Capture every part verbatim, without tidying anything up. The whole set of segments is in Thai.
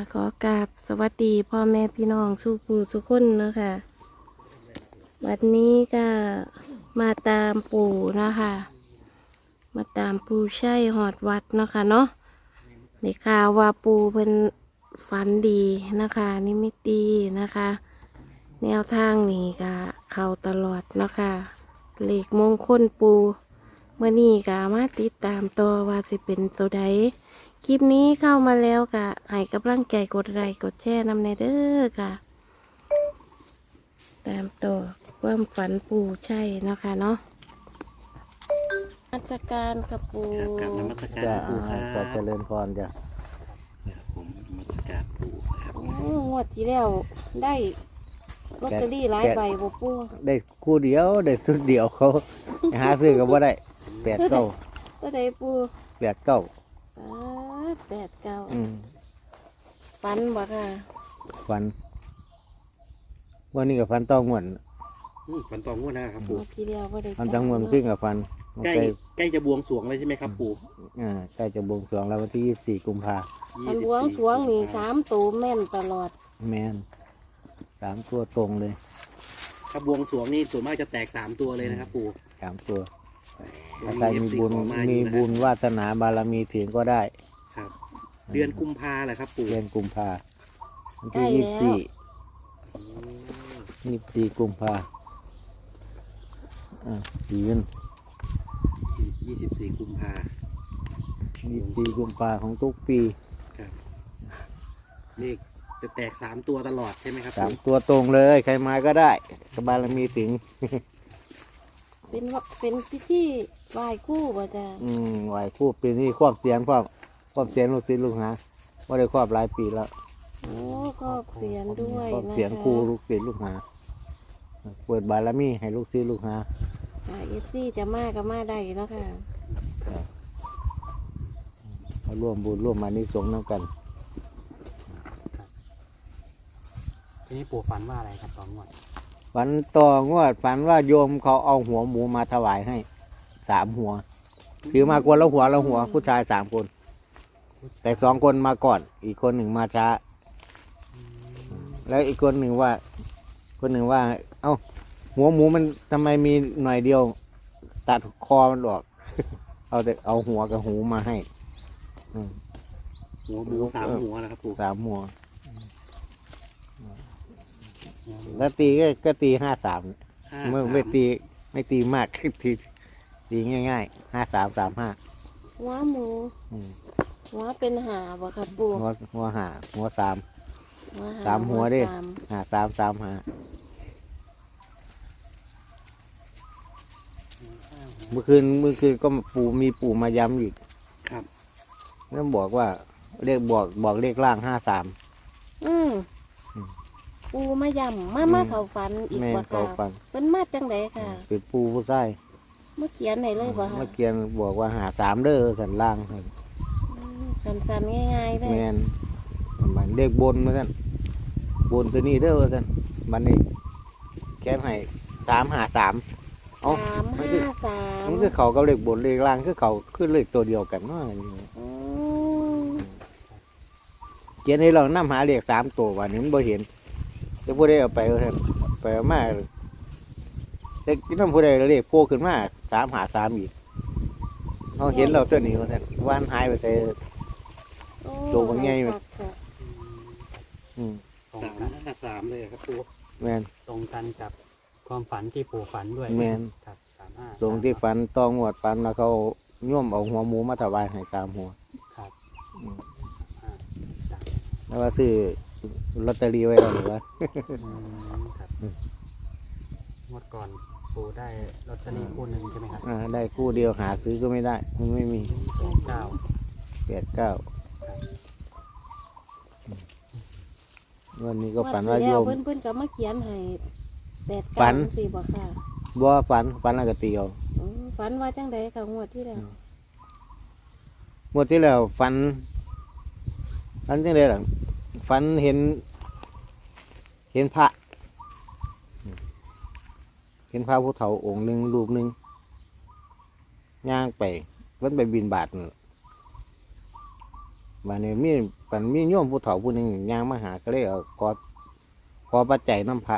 ขอกราบสวัสดีพ่อแม่พี่น้องทุกผู้ทุกคนนะคะวันนี้ก็มาตามปู่นะคะ มาตามปู่ใช่หอดวัดเนาะค่ะเนาะในข่าวว่าปู่เพิ่นฝันดีนะคะนิมิตดีนะคะ แนวทางนี่ก็เข้าตลอดเนาะค่ะเลขมงคลปู่เมื่อนี้ก็มาติดตามตัวว่าสิเป็นตัวใดคลิปนี้เข้ามาแล้วก็ให้กำลังใจกดไลค์กดแชร์นำในเด้อค่ะตามตัวความฝันปู่ใช่เนาะค่ะเนาะนมัสการกับปู่ครับนมัสการจะปู่ครับจะเจริญพรจ้ะครับผมนมัสการปู่ครับโอ้งวดที่แล้วได้ลอตเตอรี่หลายใบบ่ปู่ได้คู่เดียวได้ชุดเดียวเขา หาซื้อก็บ่ได้แปดเก้าก็ได้ปู่แปดเก้าอ่าแปดเก้าอืมฝันบ่ค่ะฝันวันนี้กับฟันต้องงวนอืมฝันตองงวดนะครับงปู่วดที่แล้วบ่ได้ฟันต้องงวนขึ้นกับฟันใกล้ใกล้ใกล้จะบวงสรวงเลยใช่ไหมครับปู่อ่าใกล้จะบวงสรวงแล้ววันที่ยี่สิบสี่กุมภามันบวงสรวงนี่สามตัวแม่นตลอดแมนสามตัวตรงเลยถ้าบวงสรวงนี่ส่วนมากจะแตกสามตัวเลยนะครับปู่สามตัววัถ้าน ใครนี้มีเอฟซีบุญขอมาอมียู่นะบุญวาสนาบารมีถึงก็ได้ครับ เดือนกุมภาแหละครับปู่เดือนกุมภาวันใกล้ที่ยี่สิบแล้วสี่อืมยี่สิบสี่กุมภาอ่ายืนยี่สิบสี่กุมภายี่สิบสี่กุมภาของทุกปีครับเลขจะแตกสามตัวตลอดใช่ไหมครับสามปู่ตัวตรงเลย ใครมาก็ได้กบารมีถึงเป็นว่าเป็นพิธีไหว้ครู่บ่จ้ะอืมไหวคู่ปีนี้ครอบเสียนครอบครอบเสียนลูกศิษย์ลูกหาว่าได้ครอบหลายปีแล้วโอ้ก็เสียนด้วยครอบนะคะเสียนครูลูกศิษย์ลูกหาเปิดบารมีให้ลูกศิษย์ลูกหาค่ะเอฟซีจะมาก็มาได้เนาะค่ะมาร่วมบุญร่วมมานิสงส์น้ำกันทีนี้ปู่ฝันว่าอะไรครับตอนงวดฝันต่องวดฝันว่าโยมเขาเอาหัวหมูมาถวายให้สามหัวถือมากวนละหัวละหัวผู้ชายสามคน แต่สองคนมาก่อน อีกคนหนึ่งมาช้า แล้วอีกคนหนึ่งว่า คนหนึ่งว่า เอ้า หัวหมูมันทำไมมีหน่อยเดียว ตัดคอมันออก เอาแต่เอาหัวกับหูมาให้อืมหัวหมูสามหัวนะครับปู่สามหัว แล้วตีก็ก็ตีห้าสามห้าเมื่อสามไม่ตีไม่ตีมาก ตีตีง่ายๆห้าสามสามห้าหัวหมูอืมหัวเป็นหาบ่ค่ะปู่หัวหัวหาหัวสามหัวหสามหัวดิสามหาสามสามหาเมื่อคืนเมื่อคืนก็ปู่มีปู่มาย้ำอีกครับแล้วบอกว่าเลขบอกบอกเลขล่างห้าสามอืมอืมปูมาย่ำมามาเขาฝันอีกแม่บ่เขาค่ะฟังเป็นมาจังไดค่ะเป็นปู่ผู้ใส่เมื่อเขียนไหนเลยบ่ค่ะเมื่อกี้บอกว่าหาสามเด้อสันล่างอืมสั้นๆง่ายๆเลยแมนมันเลขบนมาสั่นบนตัวนี้เด้อว่าสั่นมันนี่แค่ให้สามหาสามเอ้าสามมันห้าคือสามมันคือเขากับเลขบนเลขล่างคือเขาคือเลขตัวเดียวกันเนาะอืมเขียนให้เรานำหาเลขสามตัววันนี้มันบ่เห็นจะผู้ใดเอาไปเอาเถอะไปเอามาแต่น้ำผู้ใดเลขโผล่ขึ้นมาสามหาสามอีกเขาเห็นเราตัวนี้ว่าสั่นวานหายไปแต่โอ้ตัวมันใหญ่ไหมครับค่ะอืมตรงสามกันห้าสามเลยครับปู่แมนตรงกันกับความฝันที่ปู่ฝันด้วยแม่นครับสามห้าตรงที่ฝันตองวดฝันแล้วเขาโย่มเอาหัวหมูมาถวายให้สามหัวครับอืมห้าสามแล้วว่าซื้อลอตเตอรี่ไว้แล้วหรือว่าอืมครับงวดก่อนปู่ได้ลอตเตอรี่คู่หนึ่งใช่ไหมครับอ่าได้คู่เดียวหาซื้อก็ไม่ได้ มันไม่มีแปดเก้าแปดเก้าครับวันนี้ก็ฝันว่าโยมเพิ่นเพิ่นก็มาเขียนให้แปดฝัเก้าน สี่บ่ค่ะบ่ฝันฝันแล้วก็ตีเอาอืมฝันว่าจังไดค่ะงวดที่แล้วหมดที่แล้วฝันฝันจังไดล่ะฝันเห็น เห็นพระ เห็นพระผู้เฒ่าองค์หนึ่งรูปหนึ่งย่างไปมันไปบินบาทนั่นวันนี้มีปันมีโยมผู้เฒ่าผู้หนึ่งย่างมาหาก็เลยเอาขอขอปัจจัยน้ำพระ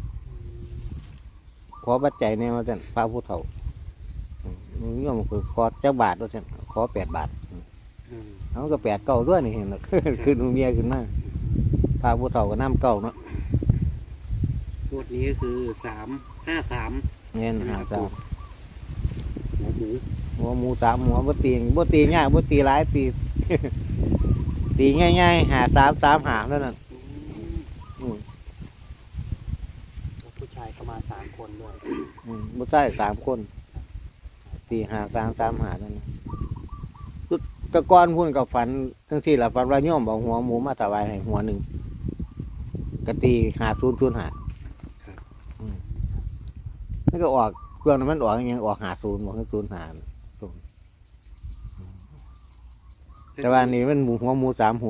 ขอปัจจัยเนี่ยมาเส้นพระผู้เฒ่าอืมโยมคือขอเจ้าบาทว่าเส้นขอแปดบาทอืมเขาก็แปดเก้าด้วยนี่เห็นหรอ คือหนูเมียขึ้นมาพระผู้เฒ่าก็น้ำเก้าเนาะงวดนี้ก็คือสามห้าสามเงี้ยหาสามหัวหมูหัวหมูสามหัวบ่ตีบ่ตีง่ายบ่ตีหลายตี ตีง่ายๆหาสามสามหาเท่านั้นอืมผู้ชายเข้ามาสามคนด้วยอืมบ่ใช่สามคนตีหาสามสามหาเท่านั้นแตะกอนพุ่นกับฝันทั้งที่ละฝันว่าโยมบอกหัวหมูมาถวายให้หัวหนึ่งกตีหาศูนย์ศูนย์หาอืมแล้วก็ออกเครื่องนั้นมันออกยังออกหาศูนย์บอกให้ศูนย์หาแต่ว่านี่มันหมูหัวหมูสามหัว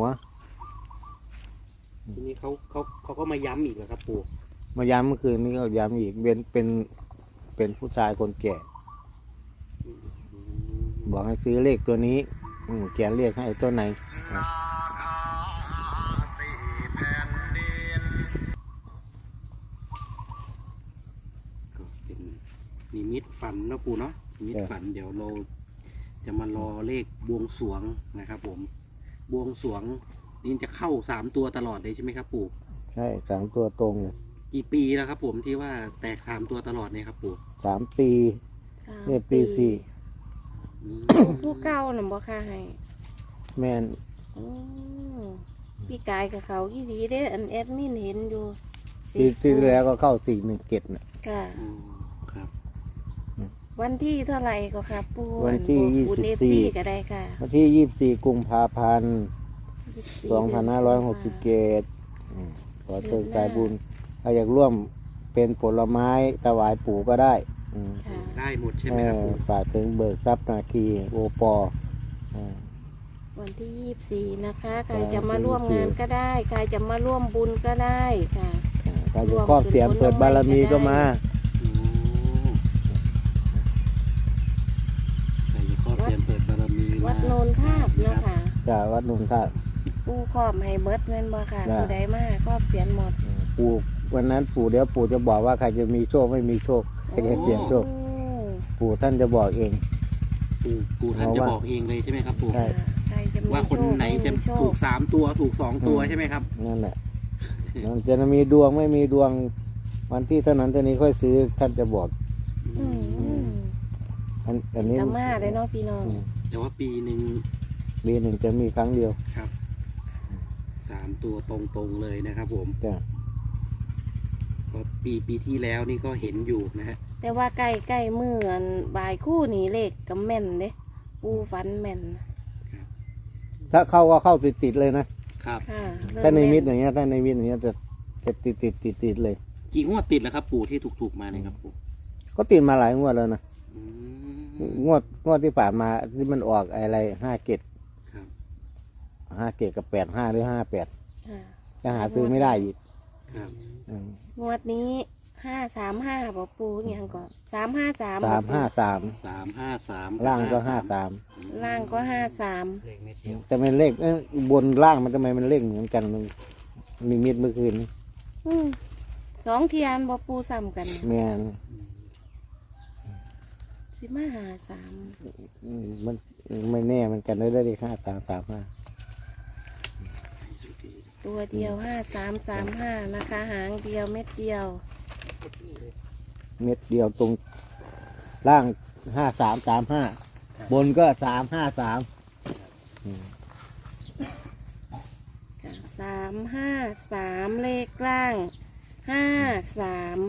ทีนี้เขาเขาเขาก็มาย้ำอีกเหรอครับปู่มาย้ำเมื่อคืนนี้ก็ย้ำอีกเป็นเป็นเป็นผู้ชายคนแก่อืมบอกให้ซื้อเลขตัวนี้ อืมเขียนเลขให้ตัวไหนก็เป็นนิมิตฝันนะปู่เนาะนิมิตฝันเดี๋ยวเราจะมารอเลขบวงสรวงนะครับผมบวงสรวงนี่จะเข้าสามตัวตลอดเลยใช่ไหมครับปู่ใช่สามตัวตรงเลยกี่ปีแล้วครับผมที่ว่าแตกสามตัวตลอดเนี่ยครับปู่สามปีเนี่ยปีสี่อืมผู้เก่าน่ะบ่ค่ะให้แมนอืมพี่กายกับเขายี่ดีเด้อันแอดมินเห็นอยู่ปีที่แล้วก็เข้าสี่หนึ่งเกตน่ะค่ะอืมครับวันที่เท่าไหร่ก็ครับปูวันที่อันยี่ปูสิบเอฟสี่ซีก็ได้ค่ะวันที่ยี่สิบสี่กุมภาพันธ์ยี่สิบสี่สองพันห้าร้อยหกสิบเกตขอเชิญสายบุญถ้าอยากร่วมเป็นผลไม้ถวายปู่ก็ได้อืมค่ะได้หมดใช่ไหเอมครับอปู่ฝากถึงเบิกทรัพย์นาคีโอปออ่าวันที่ยี่สิบสี่นะคะใครครับจะมาร่วมงานก็ได้ใครจะมาร่วมบุญก็ได้ค่ะถ้าจะครอบเสียงเปิดบารมีก็มาโอ้ใครจะครอบเสียนเปิดบารมีวัดโนนทาบเนาะค่ะจากวัดหนุ่มท่าปูครอบให้เบิดแม่นบ่ค่ะได้ผู้ใดมาครอบเสียนหมดปู่วันนั้นปู่เดี๋ยวปู่จะบอกว่าใครจะมีโชคไม่มีโชคใครจะเสียงโชคโอ้ปู่ท่านจะบอกเองปู่ปู่ท่านจะบอกเองเลยใช่ไหมครับปู่ใช่ค่ะใครจะมีว่าคนไหนจะโชถูคกสามตัวถูกสองตัวใช่ไหมครับนั่นแหละมันจะมีดวงไม่มีดวง วันที่เท่านั้นเท่านี้ค่อยซื้อท่านจะบอกอืมอืมอันอันนี้กะมาเลยเนาะพี่น้องอืมแต่ว่าปีหนึ่งปีหนึ่งจะมีครั้งเดียวครับสามตัวตรงๆเลยนะครับผมจ้ะเพราะปีปีที่แล้วนี่ก็เห็นอยู่นะฮะแต่ว่าใกล้ใกล้มืออันบ่ายคู่นี่เลขก็แม่นเด้ปูฟันแม่นถ้าเข้าก็เข้าติดติดๆเลยนะครับค่ะเริ่ถ้าในมิตรแอย่างเงี้ยถ้าในมิตรอย่างเงี้ยจะจะติดติดติดติดๆเลยกี่งวดติดแล้วครับ ปู่ที่ถูกๆมาเนี่ยครับปู่ก็ติดมาหลายงวดแล้วนะอืมงวดงวดที่ผ่านมาที่มันออกอะไรห้าเกตครับห้าเกตกับแปดห้าหรือห้าแปดค่ะจะหาซื้อไม่ได้อีกครับอืมงวดนี้ห้าสามห้าบอกปูอย่างก่อนสามห้าสามสามห้าสามสามห้าสามล่างก็ห้าสามล่างก็ห้าสามเลขเม็ดเดียวแต่เป็นเลขเอ้ยบนล่างมันทำไมมันเลขเหมือนกันมันมีมิดเมื่อคืนอืมสองเทียนบอกปูซ้ำกันแม่นสิมาหาสามอืมมันไม่แน่มันกันได้ได้เลขห้าสามสามห้าตัวเดียวห้าสามสามห้านะคะ หางเดียวเม็ดเดียวเม็ดเดียวตรงล่างห้าสามสามห้าบนก็สามห้าสามสามห้าสามเลขล่างห้าสาม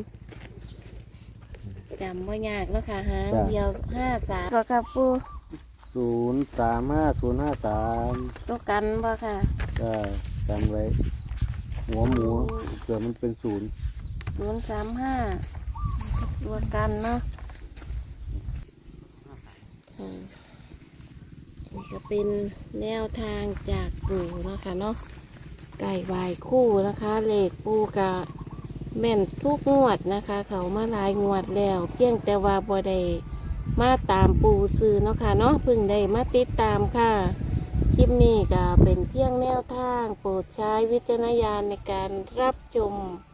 จำว่ายากแล้วค่ะหางเดียวห้าสามก็ค่ะปูศูนย์สามห้าศูนย์ห้าสามตัวกันบ่ค่ะก็จำไว้ หัวหมูเผื่อมันเป็นศูนย์ศูนย์สามห้าตัวกันเนาะอืมนี่ก็เป็นแนวทางจากปู่เนาะคะเนาะไก่วายคู่นะคะเลขปูกะแม่นทุกงวดนะคะ เขามาหลายงวดแล้ว เพียงแต่ว่าบ่ได้มาตามปูซื้อเนาะค่ะเนาะเพิ่งได้มาติดตามค่ะลิปนี้ก็เป็นเพียงแนวทางโปรดใช้วิจารณญาณในการรับชม